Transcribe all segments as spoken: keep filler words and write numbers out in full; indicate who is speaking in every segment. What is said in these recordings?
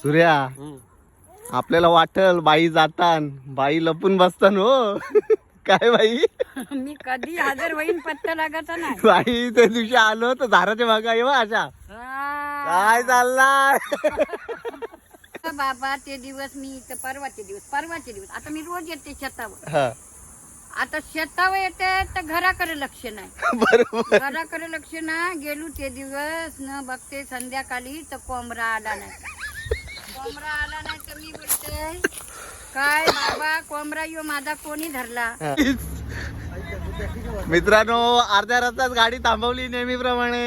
Speaker 1: सूर्या आपल्याला वाटल बाई जातान बाई लपून बसतान हो. काय बाई
Speaker 2: मी कधी हजर होईन पत्ता लागायचा नाही.
Speaker 1: बाई त्या दिवशी आलो तर झाडाच्या भागा येवा अशा काय चाललाय.
Speaker 2: बाबा ते दिवस मी इथं परवाचे दिवस परवाचे दिवस आता मी रोज येते शेतावर.
Speaker 1: हा
Speaker 2: आता शेतावर येते तर घराकडे लक्ष नाही.
Speaker 1: बरोबर
Speaker 2: घराकडे लक्ष नाही गेलो ते दिवस न बघते संध्याकाळी तर कोंबडा आला नाही. कोंबडा आला नाही तर मी बोलते काय बाबा कोंबडा यो माझा कोणी धरला.
Speaker 1: मित्रांनो अर्ध्या रस्त्यात गाडी थांबवली नेहमीप्रमाणे.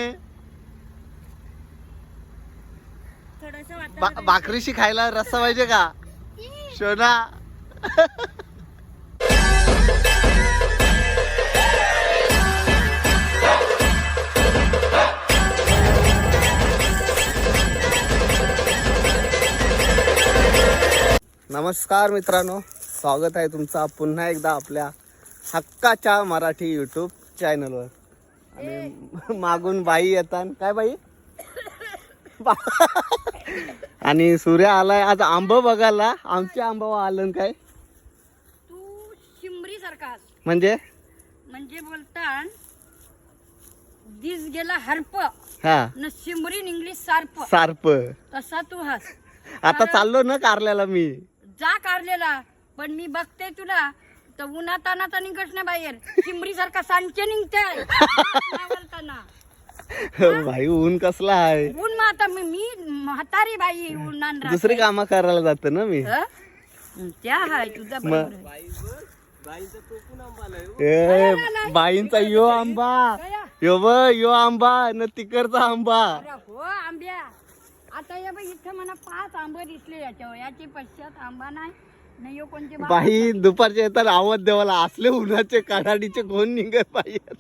Speaker 1: बा- भाकरीशी खायला रस्सा पाहिजे का शोना. नमस्कार मित्रांनो, स्वागत आहे तुमचा पुन्हा एकदा आपल्या हक्काच्या मराठी यूट्यूब चॅनलवर. आणि मागून बाई येतात. काय बाई आणि सूर्य आलाय आज आंब बघायला. आमचे आंबा आलं काय
Speaker 2: तू शिमरी सारखा
Speaker 1: म्हणजे
Speaker 2: म्हणजे बोलतान दिस गेला हरप
Speaker 1: हा
Speaker 2: न शिमरी इंग्लिश सार्प
Speaker 1: सार्प.
Speaker 2: तसा तू हस.
Speaker 1: आता चाललो ना कारल्याला मी.
Speaker 2: जा कारलेला पण मी बघते तुला तर उन्हात अनात निघत नाही बाहेर. शिमरी सारखा सांचे निघते बोलताना.
Speaker 1: भाई ऊन कसला आहे.
Speaker 2: ऊन मग आता मी मी म्हातारी बाई उन्हान राहते.
Speaker 1: दुसरी कामं करायला जाते ना मी.
Speaker 2: हं? त्या हाय तुझा
Speaker 1: मग
Speaker 2: बरोबर आहे.
Speaker 1: ए बाईंचा यो आंबा
Speaker 2: गया.
Speaker 1: यो ब यो आंबा न तिकडचा आंबा.
Speaker 2: अरे हो आंब्या आता या बाई इथं मला पाच आंबे दिसले याच्यावर. याची पश्चात आंबा नाही नाही यो कोणते बा-
Speaker 1: बाई दुपारच्या येतात आवाज देवाला असले उन्हाचे काढाडीचे कोण निघत बाहेर.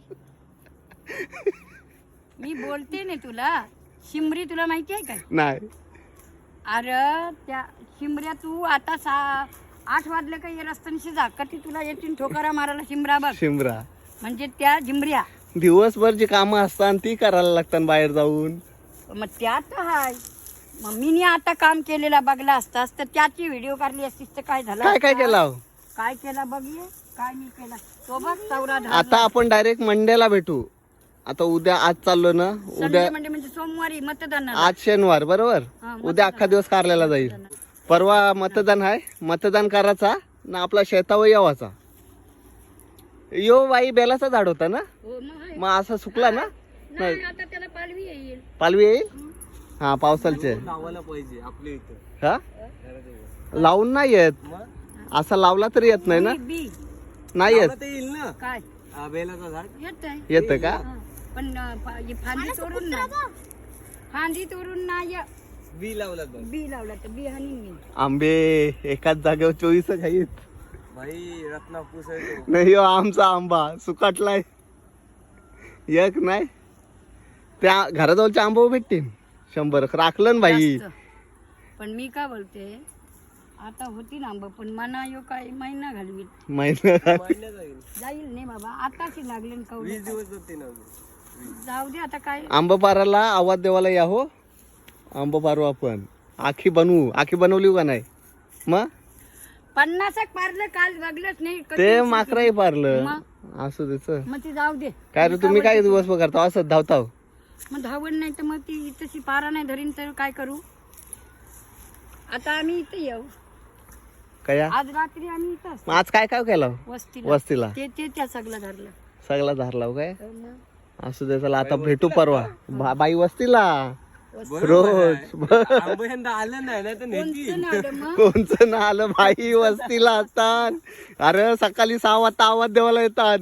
Speaker 2: मी बोलते ना तुला शिमरी तुला माहिती आहे काय.
Speaker 1: नाही
Speaker 2: अरे त्या शिमऱ्या तू आता सा आठ वाजले का ये रस्त्याशी जा कधी तुला येतील ठोकारा मारायला शिमरा बघ.
Speaker 1: शिमरा
Speaker 2: म्हणजे त्या झिमऱ्या
Speaker 1: दिवसभर जी कामं असतात ती करायला लागतात बाहेर जाऊन.
Speaker 2: मग त्यात हाय. मग मी आता काम केलेला बघला असतास तर त्याची व्हिडिओ काढली असतीस तर काय झालं
Speaker 1: काय काय
Speaker 2: असतं?
Speaker 1: केलं
Speaker 2: काय केला बघ ये काय मी केला तो बघ चौरा
Speaker 1: आता आपण डायरेक्ट मंडेला भेटू. आता उद्या आज चाललो ना उद्या
Speaker 2: म्हणजे म्हणजे सोमवारी मतदान
Speaker 1: आज शनिवार बरोबर.
Speaker 2: हा,
Speaker 1: उद्या अख्खा दिवस कारल्याला जाईल. परवा मतदान आहे. मतदान करायचा ना आपला शेतावर यावाचा. यो बाई बेलाचा झाड होता ना
Speaker 2: हो मग आहे.
Speaker 1: मग असा सुकला ना.
Speaker 2: नाही आता त्याला पालवी येईल.
Speaker 1: पालवी येईल हा पावसालचे
Speaker 3: लावायला पाहिजे आपल्या इथं.
Speaker 1: हा लावून नाही येत. असा लावला तरी येत नाही ना.
Speaker 2: बी- बी
Speaker 1: नाही येत.
Speaker 3: ते येईल ना
Speaker 2: काय
Speaker 3: हा, बेलाचं झाड.
Speaker 2: येत आहे
Speaker 1: येतं का.
Speaker 2: हा. पण अं, फा- हे फांदी तोडून ना फांदी तोडून ना या
Speaker 3: बी लावला बघ.
Speaker 2: बी लावला तर बी हानी मी.
Speaker 1: आंबे एकाच जागेवर चोवीस खाईत.
Speaker 3: भाई रत्नापूस आहे तो.
Speaker 1: नाही हो आमचा आंबा सुकाटलाय. एक नाही त्या घराजवळचे आंबा भेटतील शंभर राखलं ना बाई.
Speaker 2: जास्त. पण मी काय बोलते आता होती ना आंबा पण मना यो काय महिना घालवी
Speaker 1: महिना
Speaker 3: महिन्यात जाईल.
Speaker 2: जाईल नाही बाबा आताशी लागले
Speaker 3: वीस
Speaker 2: कवडे
Speaker 3: दिवस जाते ना.
Speaker 2: जाऊ दे आता काय.
Speaker 1: आंबा पाराला आवाज देवाला या हो. आंबा पारू आपण आखी बनवू. आखी बनवली का नाही मग
Speaker 2: पन्नास एक पारलं काल बघलंच नाही कधी
Speaker 1: ते
Speaker 2: दिवशी
Speaker 1: माकराही पारलं
Speaker 2: मग?
Speaker 1: असं त्याच
Speaker 2: मग ती जाऊ दे.
Speaker 1: काय रे तुम्ही काय दिवस करता असं धावताव.
Speaker 2: मग धावण नाही तर मग ती तशी पारा नाही धरीन तर काय करू. आता आम्ही इथे येऊ
Speaker 1: काय
Speaker 2: आज रात्री आम्ही इथं असतो.
Speaker 1: आज काय काय केलं
Speaker 2: वस्तीला
Speaker 1: वस्तीला
Speaker 2: ते ते त्या सगळं धरलं.
Speaker 1: सगळा धारलाव काय
Speaker 2: तर मग
Speaker 1: असू दे. चला आता भेटू परवा बा- बाई वस्तीला
Speaker 2: वस्ती-
Speaker 1: रोज.
Speaker 3: आंबा यंदा आलं नाही ना तर नेती.
Speaker 2: कोणतं नाव रे मग
Speaker 1: कोणचं ना आलं बाई वस्तीला असतात. अरे सकाळी सहा वाजता आवाज देवाला येतात.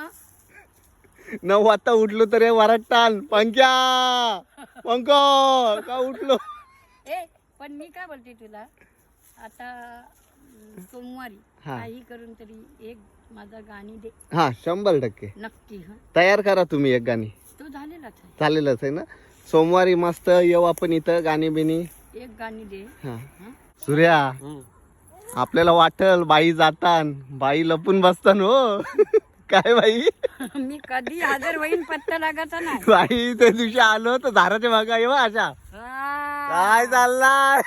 Speaker 2: मग
Speaker 1: नऊ वाजता उठलो तर वरटतान पंख्या पंख का उठलो.
Speaker 2: ए पण मी काय बोलते तुला आता अं, सोमवारी
Speaker 1: हा.
Speaker 2: काही करून तरी एक माझा गाणी दे
Speaker 1: हा शंभर टक्के
Speaker 2: नक्की. हा
Speaker 1: तयार करा तुम्ही एक गाणी.
Speaker 2: तो झालेलाच आहे.
Speaker 1: झालेलंच आहे ना. सोमवारी मस्त येऊ आपण इथं गाणी बिनी.
Speaker 2: एक गाणी दे.
Speaker 1: हा
Speaker 2: हा?
Speaker 1: सूर्या
Speaker 3: हम्म.
Speaker 1: आपल्याला वाटल बाई जातान बाई लपून बसतान हो. काय बाई
Speaker 2: मी कधी हजर होईन पत्ता लागायचा नाही.
Speaker 1: बाई त्या दिवशी आलो तर झाडाच्या भागा येवा अशा
Speaker 2: हा
Speaker 1: काय चाललाय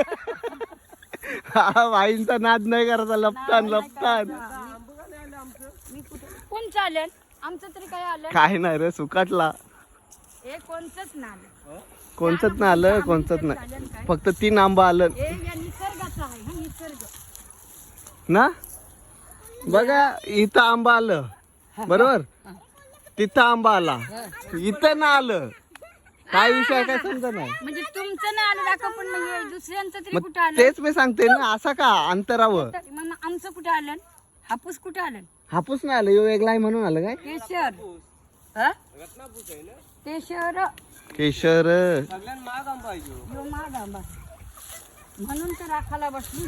Speaker 1: हा वाईनचा नाद नाही करायचा. लपतान लपतान
Speaker 2: मी कुठे कोण चालेल आमचं तरी काय आलं
Speaker 1: काय नाही रे सुकाटला.
Speaker 2: हे कोणतंच ना आलं
Speaker 1: कोणचंच ना आलं कोणचंच नाही. फक्त तीन आंबा आलं
Speaker 2: हे या निसर्गाचं आहे हा निसर्ग
Speaker 1: ना. बघा इथं आंबा आलं बरोबर. तिथं आंबा आला इथं ना आलं. काय विषय आहे काय समजा नाही.
Speaker 2: म्हणजे तुमचं नाही आलं दाखव पण मग हे दुसऱ्यांचं तरी
Speaker 1: मग
Speaker 2: कुठं आलं
Speaker 1: तेच मी सांगते ना. असं का अंतरावर
Speaker 2: तर मग मग आमचं कुठं आलं हापूस कुठं आलं
Speaker 1: हापूस नाही आलं. यो वेगळा आहे म्हणून आलं काय.
Speaker 2: केशर हा
Speaker 3: रत्नापूस आहे ना.
Speaker 2: केशर
Speaker 1: केशर
Speaker 3: सगळ्यात महाग आंबा आहे ह्यो.
Speaker 2: यो माग आंबा म्हणून तर राखाला बसली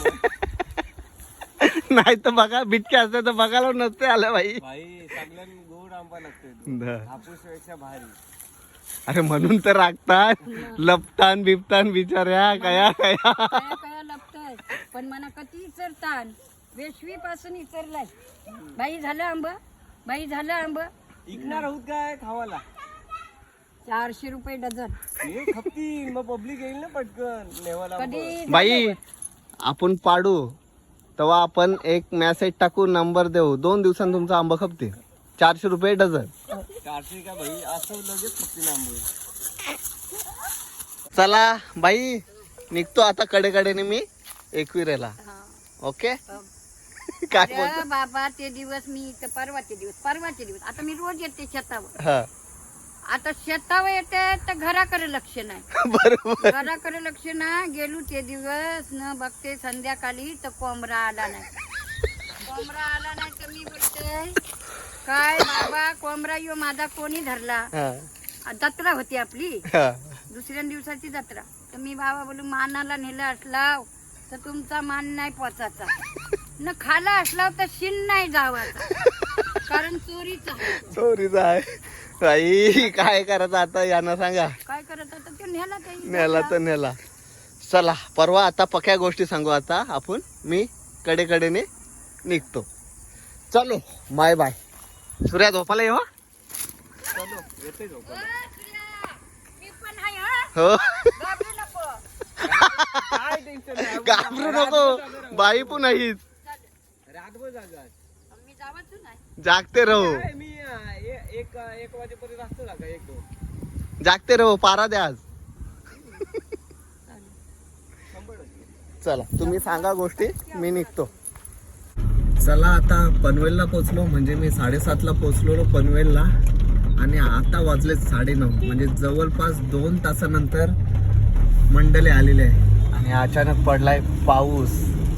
Speaker 1: नाही तर बघा बिटके असते तर बघायला नसते आलं बाई.
Speaker 3: भाई सगळ्यात गोड आंबा लागतोय हापूस पेक्षा भारी.
Speaker 1: अरे म्हणून तर राखतात लपतान बिपतान बिचाऱ्या कया कया.
Speaker 2: कया कया लपताय पण मना कधी इचरतान वेशवी पासून इचरलाय. बाई झालं आंब बाई झालं आंब
Speaker 3: इकणार आहोत काय खावाला.
Speaker 2: चारशे रुपये डझन
Speaker 3: हे खपतील मग पब्लिक येईल ना पटकन नेवाला आंबा.
Speaker 2: कधी
Speaker 1: बाई आपण पाडू तेव्हा आपण एक मेसेज टाकू नंबर देऊ. दोन दिवसांत तुमचा आंबा खपते. चारशे रुपये डझन.
Speaker 3: चारशे का भाई असं लगेच खपतील आंबे.
Speaker 1: चला बाई निघतो आता कडेकडेने मी एकविरेला. ओके काय
Speaker 2: अरे
Speaker 1: बोलतो.
Speaker 2: बाबा ते दिवस मी इथं परवाचे दिवस परवाचे दिवस आता मी रोज येते शेतावर.
Speaker 1: हा
Speaker 2: आता शेतावर येते तर घराकडे लक्ष नाही
Speaker 1: बरोबर.
Speaker 2: घराकडे लक्ष ना गेलो ते दिवस न बघते संध्याकाळी तर कोंबरा आला नाही. कोंबरा आला नाही तर मी बोलते काय बाबा कोंबरा यो माझा कोणी धरला.
Speaker 1: हा,
Speaker 2: जत्रा होती आपली
Speaker 1: हा.
Speaker 2: दुसऱ्या दिवसाची जत्रा. तर मी बाबा बोलू मानाला नेला असला तर तुमचा मान नाही पोचायचा न खाला असला तर शिन नाही जावाचा कारण चोरीचा आहे.
Speaker 1: चोरीचा आहे बाई. काय करायचं आता यांना सांगा.
Speaker 2: काय करत होता ते नेला काही
Speaker 1: नेला तर नेला. चला परवा आता पक्या गोष्टी सांगू. आता आपण मी कडेकडेने निघतो. चलो बाय बाय. सूर्या झोपाला येवा.
Speaker 3: चलो येते झोप.
Speaker 2: मी पण आहे हा.
Speaker 1: हो
Speaker 2: घाबरू नको.
Speaker 3: काय टेन्शन नाही.
Speaker 1: घाबरू नको. बाई पण नाहीच.
Speaker 3: रातभर जागा.
Speaker 2: मी जावंच नाही.
Speaker 1: जागते रहो
Speaker 3: काय मी अं, ए- एक एक वाजेपर्यंत असतो जागा एक दोन.
Speaker 1: जागते रहो. पारा द्या आज.
Speaker 3: शंभर टक्के.
Speaker 1: चला तुम्ही सांगा गोष्टी मी निघतो. चला आता पनवेलला पोचलो. म्हणजे मी साडेसातला पोचलो पनवेलला आणि आता वाजले साडेनऊ. म्हणजे जवळपास दोन तासानंतर मंडले आलेले आहे आणि अचानक पडलाय पाऊस.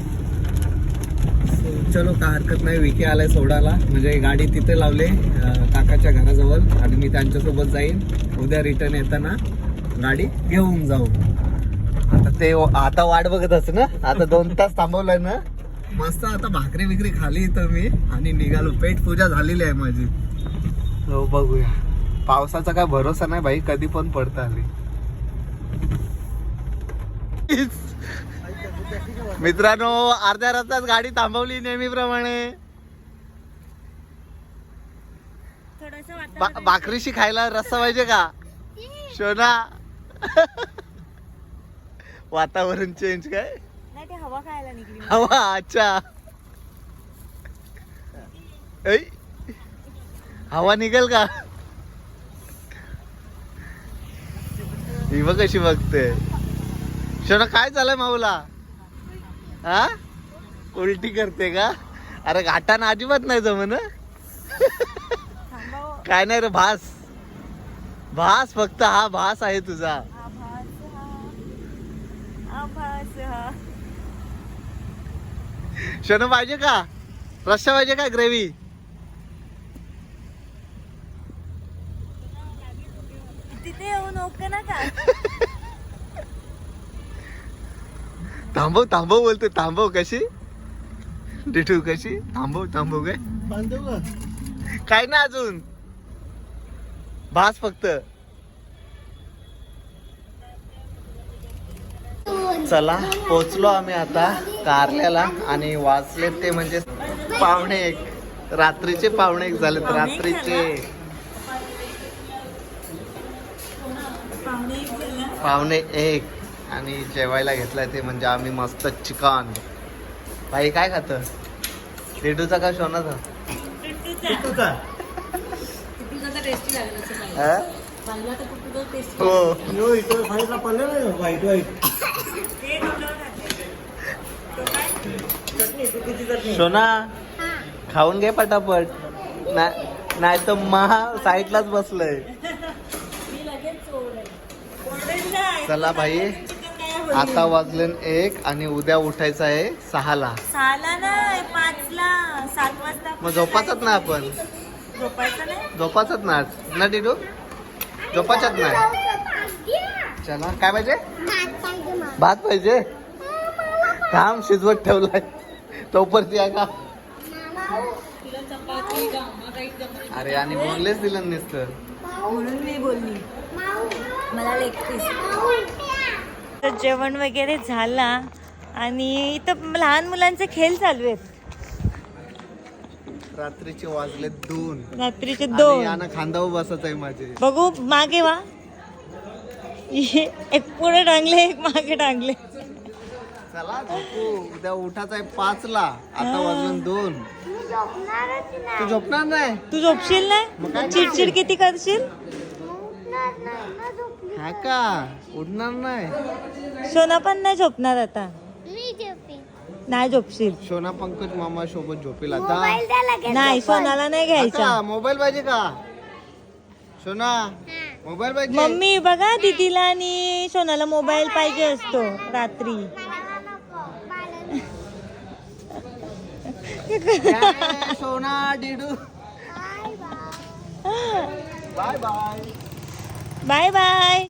Speaker 1: चलो काय हरकत नाही. विके आलाय सोडायला. म्हणजे गाडी तिथे लावले अं, काकाच्या घराजवळ आणि मी त्यांच्यासोबत जाईन. उद्या रिटर्न येताना गाडी घेऊन जाऊ. आता ते आता वाट बघत असत ना. आता दोन तास थांबवलंय ना. मस्त आता भाकरी बिकरी खाली इथं मी आणि निघालो. पेट पूजा झालेली आहे माझी. हो बघूया. पावसाचा काय भरोसा नाही भाई. कधी पण पडतं आली. मित्रांनो अर्ध्या रस्त्यात गाडी थांबवली नेहमीप्रमाणे. बा- भाकरीशी खायला रस्सा पाहिजे का शोना. वातावरण चेंज काय.
Speaker 2: नाही ते हवा खायला निघली.
Speaker 1: हवा अच्छा. ऐ, हवा निघेल का. ही बघ कशी बघते. शोना काय झालंय माऊला. हा उलटी करते का. अरे घाटाना अजिबात नाही जमन. काय नाही रे भास भास फक्त हा भास आहे तुझा. शोना पाहिजे का रस्सा पाहिजे का ग्रेव्ही.
Speaker 2: तिथे येऊ नको ना का.
Speaker 1: थांबव थांबव बोलते. थांबव कशी डिटू कशी. थांबव थांबव काय काय ना अजून भास फक्त. चला पोचलो आम्ही आता कारल्याला आणि वाचले ते म्हणजे पावणे एक. रात्रीचे पावणे एक झालेत. रात्रीचे पावणे एक आणि जेवायला घेतलाय ते म्हणजे आम्ही मस्त चिकन. भाई काय खात? रेडूचा का शोनाचा? टिटूचा. हा? हो सोना खाऊन घे पटापट, नाही तर महा साईडलाच बसलंय. चला भाई, आता वाजले एक आणि उद्या उठायचं आहे सहाला.
Speaker 4: सहाला नाही, पाचला. सात वाजता
Speaker 1: मग झोपाचत ना आपण,
Speaker 4: झोपायचं नाही.
Speaker 1: झोपाचत ना ना टिटू, झोपाचत नाही. चला काय पाहिजे? भात पाहिजे. थांब शिजवत ठेवलाय तोपर्यंत या का. अरे आणि बोललेच दिलं नुसतं
Speaker 4: म्हणून मी बोलली मला लेग पीस. तर जेवण वगैरे झाला आणि इथं लहान मुलांचे खेळ चालू आहेत.
Speaker 1: रात्रीचे वाजले दोन.
Speaker 4: रात्रीचे
Speaker 1: आणि
Speaker 4: दोन.
Speaker 1: यानं खांदावर बसत आहे माझे.
Speaker 4: बघू मागे वा. एक पुढे टांगले, एक मागे टांगले.
Speaker 1: चला झोपू, उद्या उठायचं आहे पाच ला. आता वाजले दोन. तू झोपणार नाही?
Speaker 4: तू झोपशील
Speaker 1: मग काय
Speaker 4: नाही? चिडचिड किती करशील?
Speaker 1: हा का? उठणार नाही?
Speaker 4: सोना पण नाही झोपणार आता. नाही झोपशील.
Speaker 1: सोना पंकज मामा सोबत झोपेल आता.
Speaker 4: नाही, सोनाला नाही घ्यायचा.
Speaker 1: मोबाईल पाहिजे का सोना? मोबाईल पाहिजे.
Speaker 4: मम्मी बघा, दीदीला आणि सोनाला मोबाईल पाहिजे असतो रात्री.
Speaker 1: काय सोना डिडू. Bye bye.
Speaker 4: Bye bye.